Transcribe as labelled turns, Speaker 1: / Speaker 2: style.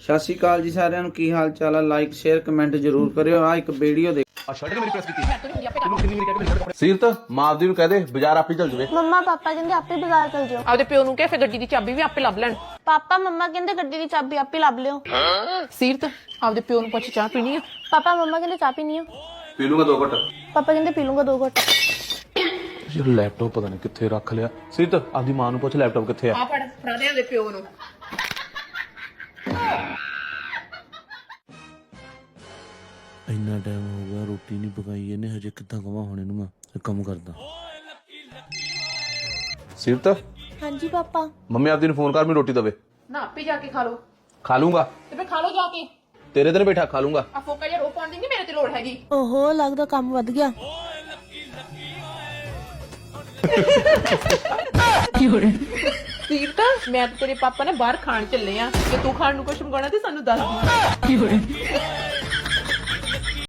Speaker 1: ਸਤਿ ਸ਼੍ਰੀ ਅਕਾਲ ਜੀ ਸਾਰਿਆਂ ਨੂੰ, ਕੀ ਹਾਲ ਚਾਲ ਆ। ਲਾਈਕ ਸ਼ੇਅਰ ਕਮੈਂਟ ਜ਼ਰੂਰ ਕਰਿਓ। ਆ ਇੱਕ ਵੀਡੀਓ ਦੇ
Speaker 2: ਸੀਰਤ ਮਾਰਦੀ ਨੂੰ ਕਹਦੇ ਬਾਜ਼ਾਰ ਆਪੇ ਚੱਲ ਜਵੇ।
Speaker 3: ਮੰਮਾ ਪਾਪਾ ਕਹਿੰਦੇ ਆਪੇ ਬਾਜ਼ਾਰ ਚਲ ਜਾਓ।
Speaker 4: ਆਪਦੇ ਪਿਓ ਨੂੰ ਕਹੇ ਫਿਰ ਗੱਡੀ ਦੀ ਚਾਬੀ ਵੀ ਆਪੇ ਲੱਭ ਲੈਣ।
Speaker 3: ਪਾਪਾ ਮੰਮਾ ਕਹਿੰਦੇ ਗੱਡੀ ਦੀ ਚਾਬੀ ਆਪੇ ਲੱਭ ਲਿਓ।
Speaker 4: ਸੀਰਤ ਆਪਦੇ ਪਿਓ ਨੂੰ ਪੁੱਛ ਚਾਹ ਪੀਣੀ ਆ।
Speaker 3: ਪਾਪਾ ਮੰਮਾ ਕਹਿੰਦੇ ਚਾਹ ਪੀਣੀ ਆ।
Speaker 2: ਪੀ ਲੂੰਗਾ 2 ਘੱਟ।
Speaker 3: ਪਾਪਾ ਕਹਿੰਦੇ ਪੀ ਲੂੰਗਾ 2 ਘੁੱਟ।
Speaker 2: ਯਾਰ ਲੈਪਟਾਪ ਪਤਾ ਨਹੀਂ ਕਿੱਥੇ ਰੱਖ ਲਿਆ। ਸੀਰਤ ਆਪਦੀ ਮਾਂ ਨੂੰ ਪੁੱਛ ਲੈਪਟਾਪ ਕਿੱਥੇ ਆ।
Speaker 4: ਆ ਫੜ ਫੜਾ ਦੇ ਆਪਦੇ ਪਿਓ ਨੂੰ।
Speaker 5: ਇੰਨਾ ਟਾਈਮ ਹੋ ਗਿਆ ਰੋਟੀ ਨਹੀਂ ਪਕਾਈ ਇਹਨੇ, ਹਜੇ ਕਿੱਦਾਂ ਕਵਾਂ ਹੁਣ ਇਹਨੂੰ। ਮੈਂ ਕੰਮ ਕਰਦਾ।
Speaker 2: ਸੀਰਤ
Speaker 3: ਹਾਂਜੀ ਪਾਪਾ।
Speaker 2: ਮੰਮੀ ਆਪਦੀ ਨੂੰ ਫੋਨ ਕਰ, ਮੈਨੂੰ ਰੋਟੀ ਦਵੇ।
Speaker 4: ਨਾ ਆਪੇ ਜਾ ਕੇ ਖਾ ਲੋ।
Speaker 2: ਖਾ ਲੂੰਗਾ
Speaker 4: ਤੇ ਫਿਰ ਖਾ ਲੋ ਜਾ ਕੇ।
Speaker 2: ਤੇਰੇ ਤੇ ਨੀ ਬੈਠਾ, ਖਾ ਲੂੰਗਾ।
Speaker 4: ਆ ਫੋਕਾ ਜਿਹਾ ਰੋ ਪਾਉਣ ਦੀ ਨਹੀਂ ਮੇਰੇ ਤੇ ਲੋੜ ਹੈਗੀ।
Speaker 3: ਓਹੋ ਲੱਗਦਾ ਕੰਮ ਵੱਧ ਗਿਆ।
Speaker 4: ਸੀਰਤ ਮੈਂ ਤੇ ਤੇਰੇ ਪਾਪਾ ਨੇ ਬਾਹਰ ਖਾਣ ਚੱਲੇ ਆ। ਜੇ ਤੂੰ ਖਾਣ ਨੂੰ ਕੁਛ ਮੰਗਾਉਣਾ ਤੇ ਸਾਨੂੰ ਦੱਸ ਦੀ।